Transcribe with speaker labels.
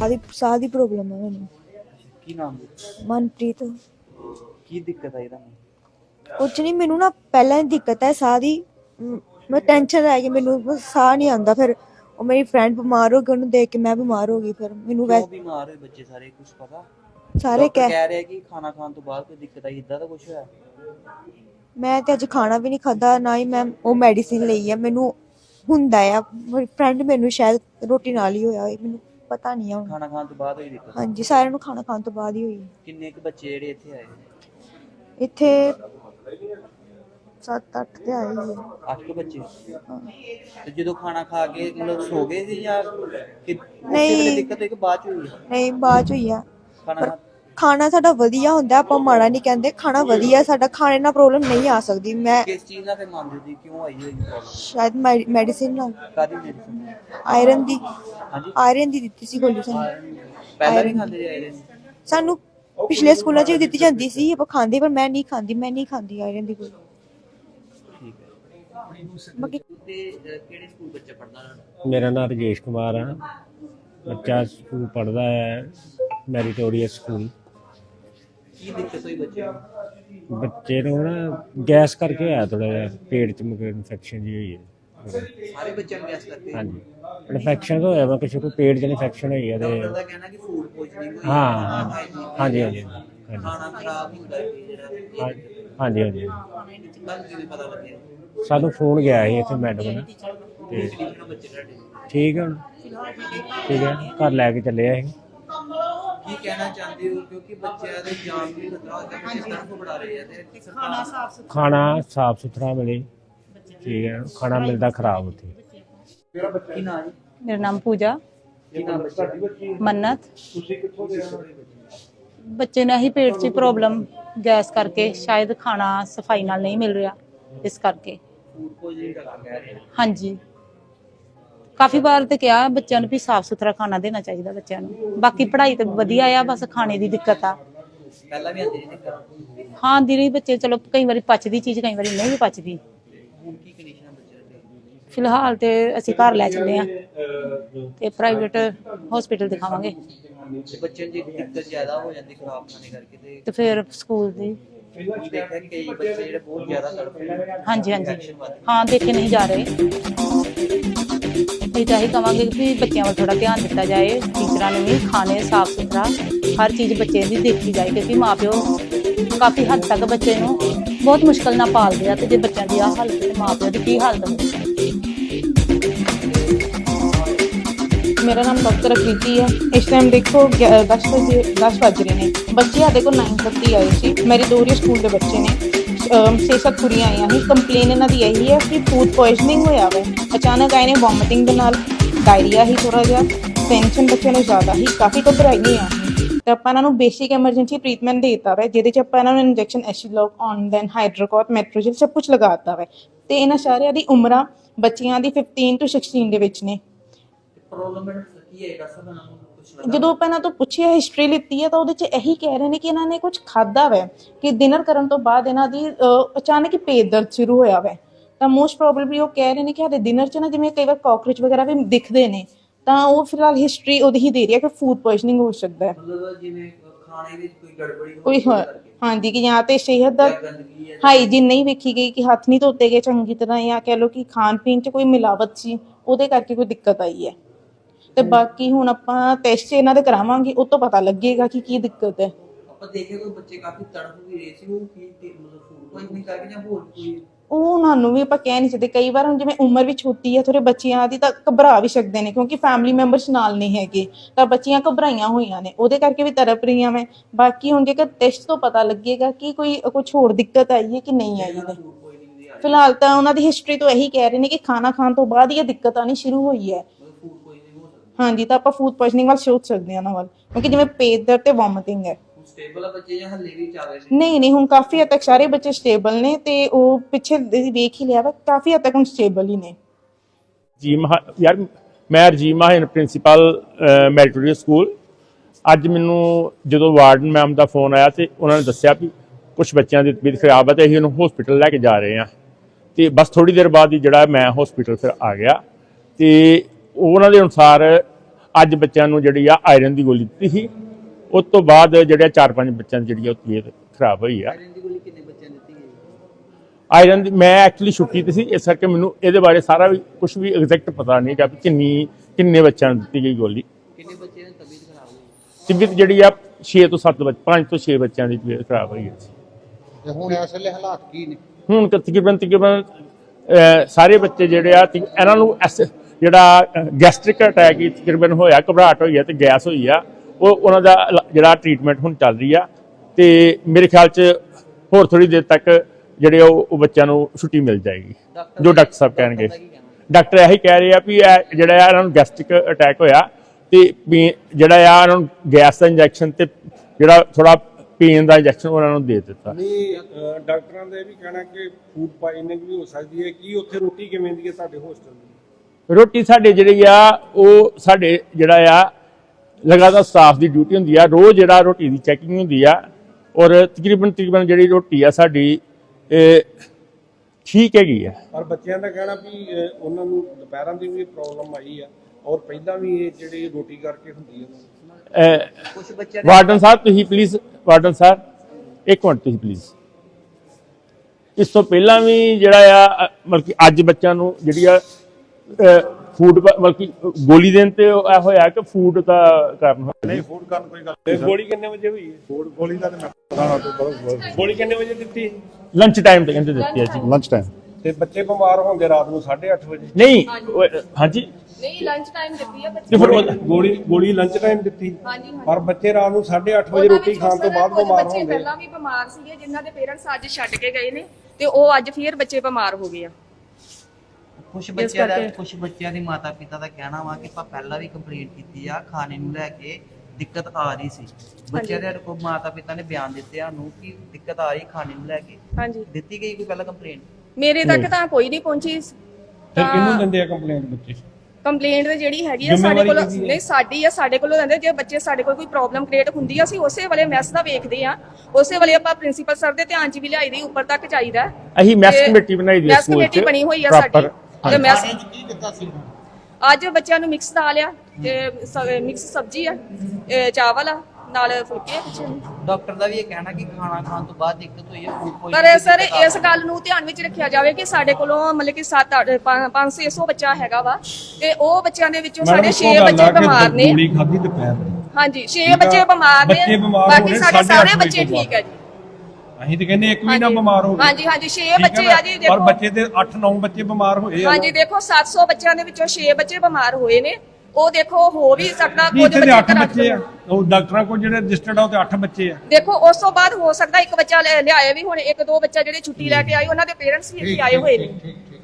Speaker 1: ਸਾਹ ਦੀ ਪ੍ਰੋਬਲਮ ਹੈ ਮੈਨੂੰ।
Speaker 2: ਕੀ ਨਾਮ
Speaker 1: ਮਨਪ੍ਰੀਤ।
Speaker 2: ਕੀ ਦਿੱਕਤ ਆਈ ਤੁਹਾਨੂੰ?
Speaker 1: ਕੁਛ ਨਹੀਂ, ਮੈਨੂੰ ਨਾ ਪਹਿਲਾਂ ਹੀ ਦਿੱਕਤ ਹੈ ਸਾਹ ਦੀ। ਮੈਂ ਟੈਨਸ਼ਨ ਰਹਿ ਗਈ, ਮੈਨੂੰ ਬਸ ਸਾਹ ਨਹੀਂ ਆਉਂਦਾ। ਫਿਰ ਉਹ ਮੇਰੀ ਫਰੈਂਡ ਬਿਮਾਰ ਹੋ ਗਈ, ਉਹਨੂੰ ਦੇਖ ਕੇ ਮੈਂ ਬਿਮਾਰ ਹੋ ਗਈ। ਫਿਰ ਮੈਨੂੰ
Speaker 2: ਕਿਉਂ ਬਿਮਾਰ ਹੋਏ ਬੱਚੇ ਸਾਰੇ, ਕੁਝ ਪਤਾ?
Speaker 1: ਸਾਰੇ
Speaker 2: ਕਹਿ ਰਹੇ ਕਿ ਖਾਣਾ ਖਾਣ ਤੋਂ ਬਾਅਦ ਕੋਈ ਦਿੱਕਤ ਆਈ, ਇਦਾਂ ਦਾ ਕੁਝ ਹੋਇਆ?
Speaker 1: ਮੈਂ ਤੇ ਅੱਜ ਖਾਣਾ ਵੀ ਨਹੀਂ ਖਾਧਾ, ਨਾ ਹੀ ਮੈਂ ਉਹ ਮੈਡੀਸਿਨ ਲਈ ਹੈ। ਮੈਨੂੰ ਹੁੰਦਾ ਆ, ਮੇਰੀ ਫਰੈਂਡ ਮੈਨੂੰ ਸ਼ਾਇਦ ਰੋਟੀ ਨਾਲ ਹੀ ਹੋਇਆ ਹੋਏ, ਮੈਨੂੰ ਪਤਾ ਨਹੀਂ ਆ ਹੁਣ।
Speaker 2: ਖਾਣਾ ਖਾਣ ਤੋਂ ਬਾਅਦ ਹੋਈ ਦਿੱਕਤ?
Speaker 1: ਹਾਂਜੀ, ਸਾਰਿਆਂ ਨੂੰ ਖਾਣਾ ਖਾਣ ਤੋਂ ਬਾਅਦ ਹੀ ਹੋਈ।
Speaker 2: ਕਿੰਨੇ ਕੁ ਬੱਚੇ ਜਿਹੜੇ ਇੱਥੇ ਆਏ?
Speaker 1: ਇੱਥੇ 7-8 ਤੇ ਆਏ ਹੀ ਆ।
Speaker 2: 8 ਬੱਚੇ?
Speaker 1: ਹਾਂ।
Speaker 2: ਤੇ ਜਦੋਂ ਖਾਣਾ ਖਾ ਕੇ ਮਤਲਬ ਸੋ ਗਏ ਸੀ ਜਾਂ
Speaker 1: ਨਹੀਂ,
Speaker 2: ਦਿੱਕਤ ਹੋਈ ਕਿ ਬਾਅਦ ਚ ਹੋਈ?
Speaker 1: ਨਹੀਂ ਬਾਅਦ ਚ ਹੋਈ ਆ।
Speaker 2: ਖਾਣਾ
Speaker 1: ਖਾਣਾ ਸਾਡਾ ਵਧੀਆ ਹੁੰਦਾ, ਆਪਾਂ ਮਾੜਾ ਨਹੀਂ ਕਹਿੰਦੇ। ਖਾਣਾ ਵਧੀਆ ਸਾਡਾ, ਖਾਣੇ ਨਾਲ ਪ੍ਰੋਬਲਮ ਨਹੀਂ ਆ ਸਕਦੀ। ਮੈਂ
Speaker 2: ਕਿਸ ਚੀਜ਼ ਨਾਲ ਫਿਰ ਮੰਨਦੇ ਸੀ ਕਿਉਂ ਆਈ ਹੋਈ ਪ੍ਰੋਬਲਮ?
Speaker 1: ਸ਼ਾਇਦ ਮੈਡੀਸਿਨ ਨਾਲ,
Speaker 2: ਕਾਦੀ ਮੈਡੀਸਿਨ?
Speaker 1: ਆਇਰਨ ਦੀ।
Speaker 2: ਹਾਂਜੀ,
Speaker 1: ਆਇਰਨ ਦੀ ਦਿੱਤੀ ਸੀ ਗੋਲੀ ਸਾਨੂੰ।
Speaker 2: ਪਹਿਲਾਂ ਨਹੀਂ ਖਾਂਦੇ ਜੀ ਆਇਰਨ?
Speaker 1: ਸਾਨੂੰ ਪਿਛਲੇ ਸਕੂਲਾਂ 'ਚ ਵੀ ਦਿੱਤੀ ਜਾਂਦੀ ਸੀ, ਆਪਾਂ ਖਾਂਦੇ, ਪਰ ਮੈਂ ਨਹੀਂ ਖਾਂਦੀ ਆਇਰਨ ਦੀ ਗੋਲੀ।
Speaker 2: ਠੀਕ ਹੈ।
Speaker 1: ਬਾਕੀ
Speaker 2: ਤੇ ਕਿਹੜੇ ਸਕੂਲ ਬੱਚਾ ਪੜ੍ਹਦਾ?
Speaker 3: ਮੇਰਾ ਨਾਮ ਰਜੇਸ਼ ਕੁਮਾਰ ਆ। ਬੱਚਾ ਸਕੂਲ ਪੜ੍ਹਦਾ ਹੈ ਮੈਰੀਟੋਰੀਅਸ ਸਕੂਲ।
Speaker 2: ਕੀ ਦਿੱਕਤ ਹੋਈ ਬੱਚੇ ਨੂੰ?
Speaker 3: ਬੱਚੇ ਨੂੰ ਨਾ ਗੈਸ ਕਰਕੇ ਆਇਆ, ਥੋੜਾ ਜਿਹਾ ਪੇਟ 'ਚ ਇਨਫੈਕਸ਼ਨ ਜੀ ਹੋਈ ਹੈ।
Speaker 2: ਸਾਰੇ ਬੱਚਿਆਂ ਨੂੰ ਗੈਸ ਕਰਦੇ?
Speaker 3: ਹਾਂਜੀ, ਇਨਫੈਕਸ਼ਨ ਤਾਂ ਹੋਇਆ ਵਾ, ਕਿਸੇ ਕੋਈ ਪੇਟ 'ਚ ਇਨਫੈਕਸ਼ਨ ਹੋਈ ਹੈ। ਤੇ
Speaker 2: ਡਾਕਟਰ ਦਾ ਕਹਿਣਾ ਕਿ ਫੂਡ ਪੋਇਜ਼ਨਿੰਗ ਹੋਈ।
Speaker 3: ਹਾਂ, ਹਾਂਜੀ ਹਾਂਜੀ
Speaker 2: ਖਾਣਾ ਖਰਾਬ ਹੁੰਦਾ ਹੈ ਜਿਹੜਾ।
Speaker 3: ਹਾਂਜੀ ਹਾਂਜੀ।
Speaker 2: ਤੁਹਾਨੂੰ ਕਿਵੇਂ ਪਤਾ ਲੱਗਿਆ?
Speaker 3: ਸਾਨੂੰ ਫੋਨ ਗਿਆ ਸੀ ਇੱਥੇ ਮੈਡਮ ਨੇ। ਤੇ
Speaker 2: ਬੱਚੇ ਤੁਹਾਡੇ
Speaker 3: ਠੀਕ ਹੈ ਹੁਣ, ਠੀਕ ਹੈ, ਘਰ ਲੈ ਕੇ ਚੱਲੇ ਅਸੀਂ।
Speaker 2: ਕੀ ਕਹਿਣਾ ਚਾਹੁੰਦੇ ਹੋ, ਕਿਉਂਕਿ ਬੱਚਿਆਂ ਦੇ ਜਾਨ ਵੀ ਖਤਰਾ ਹੋ ਗਿਆ, ਬੱਚੇ ਤਰਫ ਬੜਾ ਰਹੇ ਆ ਤੇ
Speaker 3: ਖਾਣਾ ਸਾਫ ਸੁਥਰਾ ਮਿਲੇ, ਠੀਕ ਹੈ। ਖਾਣਾ ਮਿਲਦਾ ਖਰਾਬ ਉੱਥੇ।
Speaker 2: ਕੀ ਨਾਮ ਹੈ?
Speaker 4: ਮੇਰਾ ਨਾਮ ਪੂਜਾ।
Speaker 2: ਕੀ ਨਾਮ ਬੱਚਾ?
Speaker 4: ਮੰਨਤ।
Speaker 2: ਤੁਸੀਂ ਕਿੱਥੋਂ ਦੇ ਹੋ?
Speaker 4: ਬੱਚੇ ਨੂੰ ਹੀ ਪੇਟ 'ਚ ਪ੍ਰੋਬਲਮ ਗੈਸ ਕਰਕੇ, ਸ਼ਾਇਦ ਖਾਣਾ ਸਫਾਈ ਨਾਲ ਨਹੀਂ ਮਿਲ ਰਿਹਾ, ਇਸ ਕਰਕੇ।
Speaker 2: ਫੂਡ ਪੋਇਜ਼ਨਿੰਗ ਦਾ ਕਹਿ ਰਹੇ ਆ।
Speaker 4: ਹਾਂਜੀ, ਕਾਫੀ ਵਾਰ ਤੇ ਕਿਹਾ ਬੱਚਿਆਂ ਨੂੰ ਵੀ ਸਾਫ ਸੁਥਰਾ ਖਾਣਾ ਦੇਣਾ ਚਾਹੀਦਾ ਬੱਚਿਆਂ ਨੂੰ। ਬਾਕੀ ਪੜ੍ਹਾਈ ਤੇ ਵਧੀਆ ਆ, ਬਸ ਖਾਣੇ ਦੀ ਦਿੱਕਤ ਆ।
Speaker 2: ਪਹਿਲਾਂ ਵੀ ਆਉਂਦੇ ਨੇ?
Speaker 4: ਹਾਂ, ਦਿਨੇ ਬੱਚੇ ਚਲੋ ਕਈ ਵਾਰੀ ਪਚਦੀ ਚੀਜ਼, ਕਈ ਵਾਰੀ ਨਹੀਂ ਵੀ ਪਚਦੀ।
Speaker 2: ਹੁਣ ਕੀ ਕੰਡੀਸ਼ਨ ਹੈ ਬੱਚਿਆਂ ਦੀ?
Speaker 4: ਫਿਲਹਾਲ ਤੇ ਅਸੀਂ ਘਰ ਲੈ ਚੱਲੇ ਆ ਤੇ ਪ੍ਰਾਈਵੇਟ ਹਸਪੀਟਲ ਦਿਖਾਵਾਂਗੇ।
Speaker 2: ਤੇ ਬੱਚਿਆਂ ਦੀ ਦਿੱਕਤ ਜ਼ਿਆਦਾ ਹੋ ਜਾਂਦੀ ਖਰਾਬ ਖਾਣੇ ਕਰਕੇ,
Speaker 4: ਤੇ ਫਿਰ ਸਕੂਲ ਦੀ।
Speaker 2: ਦੇਖਿਆ ਕਿ ਕਈ ਬੱਚੇ ਜਿਹੜੇ ਬਹੁਤ ਜ਼ਿਆਦਾ ਤੜਫਦੇ ਨੇ।
Speaker 4: ਹਾਂਜੀ ਹਾਂਜੀ, ਹਾਂ, ਦੇਖੇ ਨਹੀਂ ਜਾ ਰਹੇ। ਅਸੀਂ ਤਾਂ ਇਹੀ ਕਹਾਂਗੇ ਕਿ ਬੱਚਿਆਂ ਵੱਲ ਥੋੜਾ ਧਿਆਨ ਦਿੱਤਾ ਜਾਏ, ਟੀਚਰਾਂ ਨੂੰ ਵੀ ਖਾਣੇ ਸਾਫ ਸੁਥਰਾ ਹਰ ਚੀਜ਼ ਬੱਚੇ ਦੀ ਦੇਖੀ ਜਾਏ, ਕਿਉਂਕਿ ਮਾਂ ਪਿਓ ਕਾਫੀ ਹੱਦ ਤੱਕ ਬੱਚੇ ਨੂੰ ਬਹੁਤ ਮੁਸ਼ਕਲ ਨਾਲ ਪਾਲਦੇ ਆ। ਤੇ ਜੇ ਬੱਚਿਆਂ ਦੀ ਆਹ ਹਾਲਤ, ਤੇ ਮਾਂ ਪਿਓ ਦੀ ਕੀ ਹਾਲਤ ਹੋਵੇ।
Speaker 5: मेरा नाम डॉक्टर अकृति है। इस टाइम देखो 10 ਵੱਜ ਰਹੇ ਨੇ। ਬੱਚੇ ਸਾਡੇ ਕੋਲ 9:30 ਆਏ ਸੀ। ਮੈਰੀਟੋਰੀਅਸ ਸਕੂਲ ਦੇ ਬੱਚੇ ਨੇ। 6-7 ਕੁੜੀਆਂ ਆਈਆਂ ਸੀ। ਕੰਪਲੇਨ ਇਹਨਾਂ ਦੀ ਇਹੀ ਹੈ ਕਿ ਫੂਡ ਪੋਇਜ਼ਨਿੰਗ ਹੋਇਆ ਵਾ। ਅਚਾਨਕ ਆਏ ਨੇ ਵੋਮਿਟਿੰਗ ਦੇ ਨਾਲ, ਡਾਇਰੀਆ ਹੀ ਥੋੜਾ ਜਿਹਾ, ਟੈਨਸ਼ਨ ਬੱਚਿਆਂ ਨੂੰ ਜ਼ਿਆਦਾ ਹੀ, ਕਾਫੀ ਘਬਰਾਈ ਆ। ਤੇ ਆਪਾਂ ਇਹਨਾਂ ਨੂੰ ਬੇਸਿਕ ਐਮਰਜੈਂਸੀ ਟ੍ਰੀਟਮੈਂਟ ਦੇ ਦਿੱਤਾ ਵਾ, ਜਿਹਦੇ 'ਚ ਆਪਾਂ ਇਹਨਾਂ ਨੂੰ ਇੰਜੈਕਸ਼ਨ ਐਸ਼ੀਲੋਕ, ਔਨਡੈਨ, ਹਾਈਡਰੋਕੋਟ, ਮੈਟਰੋਜਿਲ ਸਭ ਕੁਝ ਲਗਾ ਦਿੱਤਾ ਵਾ। ਤੇ ਇਹਨਾਂ ਸਾਰਿਆਂ ਦੀ ਉਮਰਾਂ ਬੱਚਿਆਂ ਦੀ 15 ਤੋਂ 16 ਦੇ ਵਿੱਚ ਨੇ।
Speaker 2: ਪ੍ਰੋਬਲਮ ਕੀ ਹੈ ਡਾਕਟਰ ਸਾਹਿਬ?
Speaker 5: ਜਦੋਂ ਆਪਾਂ ਇਹਨਾਂ ਤੋਂ ਪੁੱਛਿਆ, ਹਿਸਟਰੀ ਲਿੱਤੀ ਹੈ, ਤਾਂ ਉਹਦੇ 'ਚ ਇਹੀ ਕਹਿ ਰਹੇ ਨੇ ਕਿ ਇਹਨਾਂ ਨੇ ਕੁਝ ਖਾਧਾ ਵਾ, ਕਿ ਡਿਨਰ ਕਰਨ ਤੋਂ ਬਾਅਦ ਇਹਨਾਂ ਦੀ ਅਚਾਨਕ ਹੀ ਪੇਟ ਦਰਦ ਸ਼ੁਰੂ ਹੋਇਆ ਵਾ। ਤਾਂ ਮੋਸਟ ਪ੍ਰੋਬੇਬਲੀ ਉਹ ਕਹਿ ਰਹੇ ਨੇ ਕਿ ਸਾਡੇ ਡਿਨਰ 'ਚ ਨਾ ਜਿਵੇਂ ਕਈ ਵਾਰ ਕਾਕਰੋਚ ਵਗੈਰਾ ਵੀ ਦਿਖਦੇ ਨੇ, ਤਾਂ ਉਹ ਫਿਲਹਾਲ ਹਿਸਟਰੀ ਉਹਦੀ ਹੀ ਦੇ ਰਹੀ ਹੈ ਕਿ ਫੂਡ ਪੋਇਜ਼ਨਿੰਗ ਹੋ ਸਕਦਾ ਹੈ।
Speaker 2: ਮਤਲਬ ਜਿਵੇਂ ਖਾਣੇ ਵਿੱਚ ਕੋਈ ਗੜਬੜੀ
Speaker 5: ਕੋਈ ਹਾਂਜੀ, ਕਿ ਜਾਂ ਤੇ ਸਿਹਤ ਦਾ ਹਾਈਜੀਨ ਨਹੀਂ ਵੇਖੀ ਗਈ, ਕਿ ਹੱਥ ਨਹੀਂ ਧੋਤੇ ਗਏ ਚੰਗੀ ਤਰ੍ਹਾਂ, ਜਾਂ ਕਹਿ ਲਓ ਕਿ ਖਾਣ ਪੀਣ 'ਚ ਕੋਈ ਮਿਲਾਵਟ ਸੀ, ਉਹਦੇ ਕਰਕੇ ਕੋਈ ਦਿੱਕਤ ਆਈ ਹੈ। ਤੇ ਬਾਕੀ ਹੁਣ ਆਪਾਂ ਟੈਸਟ ਇਹਨਾਂ ਦੇ ਕਰਾਵਾਂਗੇ, ਉਹ ਤੋਂ ਪਤਾ ਲੱਗੇਗਾ ਕਿ ਕੀ ਦਿੱਕਤ ਹੈ।
Speaker 2: ਆਪਾਂ ਦੇਖਿਆ ਕੋਈ ਬੱਚੇ ਕਾਫੀ ਤੜਫ ਵੀ ਰਹੇ ਸੀ, ਉਹ ਕੀ ਮਤਲਬ ਫੂਡ ਪੋਇਜ਼ਨਿੰਗ ਕਰਕੇ ਜਾਂ ਹੋਰ ਕੋਈ?
Speaker 5: ਉਹ ਉਹਨਾਂ ਨੂੰ ਵੀ ਆਪਾਂ ਕਹਿ ਨਹੀਂ ਸਕਦੇ। ਕਈ ਵਾਰ ਹੁਣ ਜਿਵੇਂ ਉਮਰ ਵੀ ਛੋਟੀ ਹੈ ਥੋੜੇ ਬੱਚਿਆਂ ਦੀ, ਤਾਂ ਘਬਰਾ ਵੀ ਸਕਦੇ ਨੇ, ਕਿਉਂਕਿ ਫੈਮਿਲੀ ਮੈਂਬਰਸ ਨਾਲ ਨਹੀਂ ਹੈਗੇ, ਤਾਂ ਬੱਚੀਆਂ ਘਬਰਾਈਆਂ ਹੋਈਆਂ ਨੇ, ਉਹਦੇ ਕਰਕੇ ਵੀ ਤੜਪ ਰਹੀਆਂ ਮੈਂ। ਬਾਕੀ ਹੁਣ ਜੇਕਰ ਟੈਸਟ ਤੋਂ ਪਤਾ ਲੱਗੇਗਾ ਕਿ ਕੋਈ ਕੁਝ ਹੋਰ ਦਿੱਕਤ ਆਈ ਹੈ ਕਿ ਨਹੀਂ ਆਈ ਹੈ। ਫਿਲਹਾਲ ਤਾਂ ਉਹਨਾਂ ਦੀ ਹਿਸਟਰੀ ਤੋਂ ਇਹੀ ਕਹਿ ਰਹੇ ਨੇ ਕਿ ਖਾਣਾ ਖਾਣ ਤੋਂ ਬਾਅਦ ਹੀ ਇਹ ਦਿੱਕਤ ਆਉਣੀ ਸ਼ੁਰੂ ਹੋਈ ਹੈ। ਹਾਂਜੀ, ਤਾਂ ਆਪਾਂ ਫੂਡ ਪੋਇਜ਼ਨਿੰਗ ਵੱਲ ਸੋਚ ਸਕਦੇ ਹਾਂ ਉਹਨਾਂ ਵੱਲ, ਕਿਉਂਕਿ ਜਿਵੇਂ ਪੇਟ ਦਰਦ ਤੇ ਵੋਮਿਟਿੰਗ ਹੈ।
Speaker 2: ਸਟੇਬਲ ਆ ਬੱਚੇ ਜਾਂ ਹੱਲੇ ਵੀ ਚੱਲ ਰਹੇ ਨੇ?
Speaker 5: ਨਹੀਂ, ਹੁਣ ਕਾਫੀ ਹੱਦ ਤੱਕ ਸਾਰੇ ਬੱਚੇ ਸਟੇਬਲ ਨੇ, ਤੇ ਉਹ ਪਿੱਛੇ ਵੇਖ ਹੀ ਲਿਆ ਵਾ, ਕਾਫੀ ਹੱਦ ਤੱਕ ਹੁਣ ਸਟੇਬਲ ਹੀ ਨੇ।
Speaker 3: ਯਾਰ ਮੈਂ Rajiv Mahin, principal meritorious school. ਅੱਜ ਮੈਨੂੰ ਜਦੋਂ ਵਾਰਡਨ ਮੈਮ ਦਾ ਫੋਨ ਆਇਆ ਤੇ ਉਹਨਾਂ ਨੇ ਦੱਸਿਆ ਵੀ ਕੁਝ ਬੱਚਿਆਂ ਦੀ ਤਬੀਅਤ ਖਰਾਬ ਹੈ ਤੇ ਅਸੀਂ ਉਹਨੂੰ ਹਸਪੀਟਲ ਲੈ ਕੇ ਜਾ ਰਹੇ ਹਾਂ। ਤੇ ਬਸ ਥੋੜੀ ਦੇਰ ਬਾਅਦ ਹੀ ਜਿਹੜਾ ਮੈਂ ਹਸਪੀਟਲ ਫਿਰ ਆ ਗਿਆ, ਤੇ ਉਹਨਾਂ ਦੇ ਅਨੁਸਾਰ ਅੱਜ ਬੱਚਿਆਂ ਨੂੰ ਜਿਹੜੀ ਆ ਆਇਰਨ ਦੀ ਗੋਲੀ ਦਿੱਤੀ ਸੀ। ਉਸ ਤੋਂ ਬਾਅਦ ਜਿਹੜੇ 4-5 ਬੱਚਿਆਂ ਦੀ ਜਿਹੜੀ ਆ ਉਹ ਤਬੀਅਤ ਖਰਾਬ ਹੋਈ ਆ।
Speaker 2: ਆਇਰਨ ਦੀ ਗੋਲੀ ਕਿੰਨੇ ਬੱਚਿਆਂ ਨੂੰ ਦਿੱਤੀ ਗਈ?
Speaker 3: ਆਇਰਨ ਦੀ ਮੈਂ ਐਕਚੁਅਲੀ ਛੁੱਟੀ ਤੇ ਸੀ, ਇਸ ਕਰਕੇ ਮੈਨੂੰ ਇਹਦੇ ਬਾਰੇ ਸਾਰਾ ਵੀ ਕੁਝ ਵੀ ਐਗਜ਼ੈਕਟ ਪਤਾ ਨਹੀਂ ਕਿ ਕਿੰਨੇ ਬੱਚਿਆਂ ਨੂੰ ਦਿੱਤੀ ਗਈ ਗੋਲੀ।
Speaker 2: ਕਿੰਨੇ ਬੱਚਿਆਂ ਦੀ ਤਬੀਅਤ ਖਰਾਬ ਹੋਈ?
Speaker 3: ਤਬੀਅਤ ਜਿਹੜੀ ਆ 6 ਤੋਂ 7 5 ਤੋਂ 6 ਬੱਚਿਆਂ ਦੀ ਤਬੀਅਤ ਖਰਾਬ ਹੋਈ ਹੈ।
Speaker 6: ਤੇ ਹੁਣ ਇਸ ਵੇਲੇ ਹਾਲਾਤ ਕੀ ਨੇ?
Speaker 3: ਹੁਣ ਤਕਰੀਬਨ ਸਾਰੇ ਬੱਚੇ ਜਿਹੜੇ ਆ ਇਹਨਾਂ ਨੂੰ ਜਿਹੜਾ ਗੈਸਟ੍ਰਿਕ ਅਟੈਕ ਹੀ ਤਕਰੀਬਨ ਹੋਇਆ, ਘਬਰਾਹਟ ਹੋਈ ਹੈ ਤੇ ਗੈਸ ਹੋਈ ਆ। ਉਹਨਾਂ ਦਾ ਜਿਹੜਾ ਟ੍ਰੀਟਮੈਂਟ ਹੁਣ ਚੱਲ ਰਹੀ ਆ ਤੇ ਮੇਰੇ ਖਿਆਲ 'ਚ ਹੋਰ ਥੋੜੀ ਦੇਰ ਤੱਕ ਜਿਹੜੇ ਉਹ ਬੱਚਿਆਂ ਨੂੰ ਛੁੱਟੀ ਮਿਲ ਜਾਏਗੀ ਜੋ ਡਾਕਟਰ ਸਾਹਿਬ ਕਹਿਣਗੇ। ਡਾਕਟਰ ਇਹੀ ਕਹਿ ਰਹੇ ਆ ਵੀ ਇਹ ਜਿਹੜਾ ਆ ਇਹਨਾਂ ਨੂੰ ਗੈਸਟ੍ਰਿਕ ਅਟੈਕ ਹੋਇਆ ਤੇ ਜਿਹੜਾ ਆ ਇਹਨਾਂ ਨੂੰ ਗੈਸ ਦਾ ਇੰਜੈਕਸ਼ਨ ਤੇ ਜਿਹੜਾ ਥੋੜਾ ਪੇਨ ਦਾ ਇੰਜੈਕਸ਼ਨ ਉਹਨਾਂ ਨੂੰ ਦੇ ਦਿੱਤਾ।
Speaker 7: ਨਹੀਂ, ਡਾਕਟਰਾਂ ਦਾ ਇਹ ਵੀ ਕਹਿਣਾ ਕਿ ਫੂਡ ਪਾਇਜ਼ਨਿੰਗ ਵੀ ਹੋ ਸਕਦੀ ਹੈ। ਕੀ ਉੱਥੇ ਰੋਟੀ ਕਿਵੇਂ ਦੀ ਹੈ ਤੁਹਾਡੇ ਹੋਸਟਲ ਦੀ?
Speaker 3: ਰੋਟੀ ਸਾਡੇ ਜਿਹੜੀ ਆ ਉਹ ਸਾਡੇ ਜਿਹੜਾ ਆ ਲਗਾਤਾਰ ਸਟਾਫ ਦੀ ਡਿਊਟੀ ਹੁੰਦੀ ਆ, ਰੋਜ਼ ਜਿਹੜਾ ਰੋਟੀ ਦੀ ਚੈਕਿੰਗ ਹੁੰਦੀ ਆ ਔਰ ਤਕਰੀਬਨ ਜਿਹੜੀ ਰੋਟੀ ਆ ਸਾਡੀ ਠੀਕ ਹੈਗੀ ਆ।
Speaker 7: ਪਰ ਬੱਚਿਆਂ ਦਾ ਕਹਿਣਾ ਵੀ ਉਹਨਾਂ ਨੂੰ ਦੁਪਹਿਰਾਂ ਦੀ ਵੀ ਪ੍ਰੋਬਲਮ ਆਈ ਆ ਔਰ ਪਹਿਲਾਂ ਵੀ ਇਹ ਜਿਹੜੀ ਰੋਟੀ ਕਰਕੇ ਹੁੰਦੀ ਹੈ।
Speaker 2: ਕੁਝ ਬੱਚਿਆਂ
Speaker 3: ਵਾਰਡਨ ਸਾਹਿਬ ਤੁਸੀਂ ਪਲੀਜ਼, ਵਾਰਡਨ ਸਾਹਿਬ ਇੱਕ ਮਿੰਟ ਤੁਸੀਂ ਪਲੀਜ਼। ਇਸ ਤੋਂ ਪਹਿਲਾਂ ਵੀ ਜਿਹੜਾ ਆ ਮਤਲਬ ਕਿ ਅੱਜ ਬੱਚਿਆਂ ਨੂੰ ਜਿਹੜੀ ਆ ਫੂਡ ਮਤਲਬ ਕਿ ਗੋਲੀ ਦੇਣ ਤੇ ਇਹ ਹੋਇਆ ਕਿ ਫੂਡ ਦਾ ਕਾਰਨ ਹੋਇਆ।
Speaker 6: ਨਹੀਂ ਫੂਡ ਕਰਨ ਕੋਈ ਗੱਲ
Speaker 7: ਤੇ ਗੋਲੀ ਕਿੰਨੇ ਵਜੇ ਹੋਈ ਹੈ?
Speaker 6: ਫੂਡ ਗੋਲੀ ਦਾ ਤੇ ਮੈਂ ਪਤਾ ਨਾ ਤੇ
Speaker 7: ਗੋਲੀ ਕਿੰਨੇ ਵਜੇ ਦਿੱਤੀ?
Speaker 3: ਲੰਚ ਟਾਈਮ ਤੇ ਕਹਿੰਦੇ ਦਿੱਤੀ ਆ ਜੀ।
Speaker 6: ਲੰਚ ਟਾਈਮ
Speaker 7: ਤੇ ਬੱਚੇ ਬਿਮਾਰ ਹੋਣਗੇ ਰਾਤ ਨੂੰ 8:30 ਵਜੇ?
Speaker 3: ਨਹੀਂ ਹਾਂਜੀ
Speaker 8: ਨਹੀਂ ਲੰਚ ਟਾਈਮ ਦਿੱਤੀ ਆ ਬੱਚੇ
Speaker 7: ਗੋਲੀ ਲੰਚ ਟਾਈਮ ਦਿੱਤੀ,
Speaker 8: ਹਾਂਜੀ ਹਾਂਜੀ
Speaker 7: ਪਰ ਬੱਚੇ ਰਾਤ ਨੂੰ 8:30 ਵਜੇ ਰੋਟੀ ਖਾਣ ਤੋਂ ਬਾਅਦ ਬਿਮਾਰ
Speaker 8: ਬੱਚੇ
Speaker 7: ਹੋਣਗੇ।
Speaker 8: ਪਹਿਲਾਂ ਵੀ ਬਿਮਾਰ ਸੀਗੇ ਜਿਨ੍ਹਾਂ ਦੇ ਪੇਰੈਂਟਸ ਅੱਜ ਛੱਡ ਕੇ ਗਏ ਨੇ ਤੇ ਉਹ ਅੱਜ ਫੇਰ ਬੱਚੇ ਬਿਮਾਰ ਹੋ ਗਏ ਆ।
Speaker 2: ਕੁਝ ਬੱਚਿਆਂ ਦੀ ਮਾਤਾ ਪਿਤਾ ਦਾ ਕਹਿਣਾ ਵਾ ਕਿ ਆਪਾਂ ਪਹਿਲਾਂ ਵੀ ਕੰਪਲੇਂਟ ਕੀਤੀ ਆ, ਖਾਣੇ ਨੂੰ ਲੈ ਕੇ ਦਿੱਕਤ ਆ ਰਹੀ ਸੀ। ਬੱਚਿਆਂ ਦੇ ਕੋਲ ਮਾਤਾ ਪਿਤਾ ਨੇ ਬਿਆਨ ਦਿੱਤੇ ਸਾਨੂੰ ਕਿ ਦਿੱਕਤ ਆ ਰਹੀ ਖਾਣੇ ਨੂੰ ਲੈ ਕੇ।
Speaker 8: ਹਾਂਜੀ
Speaker 2: ਦਿੱਤੀ ਗਈ ਕੋਈ ਪਹਿਲਾਂ ਕੰਪਲੇਂਟ?
Speaker 8: ਮੇਰੇ ਤੱਕ ਤਾਂ ਕੋਈ ਨਹੀਂ ਪਹੁੰਚੀ।
Speaker 7: ਫਿਰ ਕਿਹਨੂੰ ਦਿੰਦੇ ਆ ਕੰਪਲੇਂਟ ਬੱਚੇ?
Speaker 8: ਕੰਪਲੇਂਟ ਜਿਹੜੀ ਹੈਗੀ ਆ ਸਾਡੇ ਕੋਲ ਨਹੀਂ ਸਾਡੀ ਆ, ਸਾਡੇ ਕੋਲੋਂ ਦਿੰਦੇ। ਜੇ ਬੱਚੇ ਸਾਡੇ ਕੋਲ ਕੋਈ ਪ੍ਰੋਬਲਮ ਕ੍ਰੀਏਟ ਹੁੰਦੀ ਆ ਅਸੀਂ ਉਸੇ ਵੇਲੇ ਮੈਸ ਦਾ ਵੇਖਦੇ ਆ, ਉਸੇ ਵੇਲੇ ਆਪਾਂ ਪ੍ਰਿੰਸੀਪਲ ਸਰ ਦੇ ਧਿਆਨ 'ਚ ਵੀ ਲਿਆਈ ਦੀ, ਉੱਪਰ ਤੱਕ ਚਾਹੀਦਾ।
Speaker 3: ਅਸੀਂ ਮੈਸ ਕਮੇਟੀ ਬਣਾਈ ਦੀ
Speaker 8: ਮੈਸ
Speaker 3: ਸਕੂਲ
Speaker 8: ਕਮੇਟੀ
Speaker 3: 'ਚ
Speaker 8: ਬਣੀ ਹੋਈ ਆ ਸਾਡੀ ਤੇ ਮੈਸ
Speaker 6: ਕੀ ਦਿੱਤਾ ਸੀ?
Speaker 8: ਅੱਜ ਬੱਚਿਆਂ ਨੂੰ ਮਿਕਸ ਦਾਲ ਆ ਤੇ ਮਿਕਸ ਸਬਜ਼ੀ ਆ, ਚਾਵਲ ਆ ਨਾਲ ਫੁਲਕੇ ਬੱਚਿਆਂ ਨੂੰ।
Speaker 2: ਡਾਕਟਰ ਦਾ ਵੀ ਇਹ ਕਹਿਣਾ ਕਿ ਖਾਣਾ ਖਾਣ ਤੋਂ ਬਾਅਦ ਦਿੱਕਤ ਹੋਈ ਹੈ, ਫੂਡ
Speaker 8: ਪਰ
Speaker 2: ਪੋਇਜ਼ਨਿੰਗ
Speaker 8: ਸਰ ਇਸ ਗੱਲ ਨੂੰ ਧਿਆਨ ਵਿੱਚ ਰੱਖਿਆ ਜਾਵੇ ਕਿ ਸਾਡੇ ਕੋਲੋਂ ਮਤਲਬ ਕਿ 500 ਬੱਚਾ ਹੈਗਾ ਵਾ ਤੇ ਉਹ ਬੱਚਿਆਂ ਦੇ ਵਿੱਚੋਂ ਸਾਡੇ 6 ਬੱਚੇ ਬਿਮਾਰ ਨੇ।
Speaker 7: ਗੋਲੀ ਖਾਧੀ ਦੁਪਹਿਰ ਦੀ।
Speaker 8: ਹਾਂਜੀ 6 ਬੱਚੇ ਬਿਮਾਰ ਨੇ,
Speaker 7: ਬੱਚੇ ਬਿਮਾਰ ਹੋ
Speaker 8: ਬਾਕੀ
Speaker 7: ਰਹੇ,
Speaker 8: ਸਾਡੇ
Speaker 7: 8:30
Speaker 8: ਸਾਰੇ ਬੱਚੇ
Speaker 7: ਵਜੇ
Speaker 8: ਠੀਕ ਹੈ ਜੀ।
Speaker 7: ਅਸੀਂ ਤੇ ਕਹਿੰਦੇ ਇੱਕ ਵੀ ਨਾ ਬਿਮਾਰ ਹੋਵੇ।
Speaker 8: ਹਾਂਜੀ ਹਾਂਜੀ 6 ਬੱਚੇ ਆ ਜੀ
Speaker 7: ਪਰ
Speaker 8: ਦੇਖੋ।
Speaker 7: ਬੱਚੇ ਦੇ 8-9 ਬੱਚੇ ਬਿਮਾਰ ਹੋਏ ਆ।
Speaker 8: ਹਾਂਜੀ ਦੇਖੋ 700 ਬੱਚਿਆਂ ਦੇ ਵਿੱਚੋਂ 6 ਬੱਚੇ ਬਿਮਾਰ ਹੋਏ ਨੇ। ਉਹ ਦੇਖੋ ਹੋ ਵੀ ਸਕਦਾ
Speaker 7: ਨਹੀਂ,
Speaker 8: ਕੁਝ
Speaker 7: ਇੱਥੇ ਦੇ 8
Speaker 8: ਘਰਾਂ 'ਚ
Speaker 7: ਬੱਚੇ ਆ, ਉਹ ਡਾਕਟਰਾਂ ਕੋਲ ਜਿਹੜੇ ਰਜਿਸਟਰਡ ਆ ਉਹ ਤੇ 8 ਬੱਚੇ ਆ।
Speaker 8: ਦੇਖੋ ਉਸ ਤੋਂ ਬਾਅਦ ਹੋ ਸਕਦਾ ਇੱਕ ਬੱਚਾ ਲਿਆਏ ਵੀ ਹੁਣ, 1-2 ਬੱਚਾ ਜਿਹੜੇ ਛੁੱਟੀ ਲੈ ਕੇ ਆਏ ਉਹਨਾਂ ਦੇ ਪੇਰੈਂਟਸ ਵੀ ਇੱਥੇ ਆਏ ਹੋਏ ਨੇ।